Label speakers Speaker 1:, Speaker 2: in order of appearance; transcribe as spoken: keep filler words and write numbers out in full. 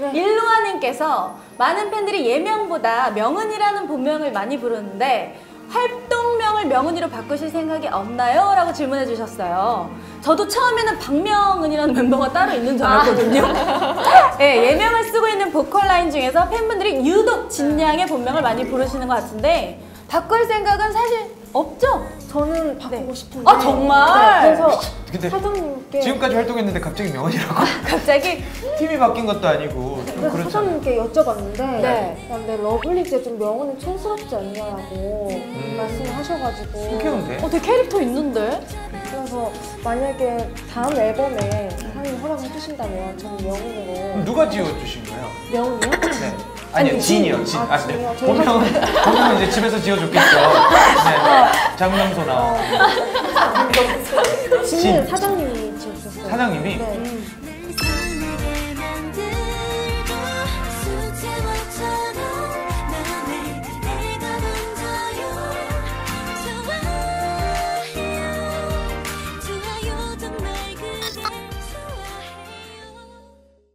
Speaker 1: 네.
Speaker 2: 일루아님께서 많은 팬들이 예명보다 명은이라는 본명을 많이 부르는데 활동명을 명은이로 바꾸실 생각이 없나요? 라고 질문해 주셨어요. 저도 처음에는 박명은이라는 멤버가 따로 있는 줄 알았거든요. 네, 예명을 쓰고 있는 보컬 라인 중에서 팬분들이 유독 진양의 본명을 많이 부르시는 것 같은데 바꿀 생각은 사실 없죠?
Speaker 1: 저는 바꾸고 네. 싶은데.
Speaker 2: 아 정말?
Speaker 1: 네, 그래서
Speaker 3: 근데
Speaker 1: 사장님께
Speaker 3: 지금까지 활동했는데 갑자기 명언이라고?
Speaker 2: 갑자기?
Speaker 3: 팀이 바뀐 것도 아니고 좀
Speaker 1: 그래서
Speaker 3: 그렇잖아요.
Speaker 1: 사장님께 여쭤봤는데
Speaker 2: 네.
Speaker 1: 근데 러블리즈에 좀 명언이 촌스럽지 않냐고
Speaker 3: 음.
Speaker 1: 말씀을 하셔가지고
Speaker 3: 신기한데?
Speaker 2: 어, 되게 캐릭터 있는데?
Speaker 1: 그래서 만약에 다음 앨범에 사장님 허락해 주신다면 저는 명언으로.
Speaker 3: 그럼 누가 지어주신가요?
Speaker 1: 명언이요?
Speaker 3: 네. 아니요,
Speaker 1: 아니,
Speaker 3: 진이요.
Speaker 1: 진.
Speaker 3: 진.
Speaker 1: 아,
Speaker 3: 아,
Speaker 1: 진이요?
Speaker 3: 네.
Speaker 1: 저희가-
Speaker 3: 본명은, 본명은 이제 집에서 지어줬겠죠. 네. 장명소나.
Speaker 1: 진은
Speaker 3: 진.
Speaker 1: 사장님이 지어주셨어요.
Speaker 3: 사장님이?
Speaker 1: 네.
Speaker 2: 음.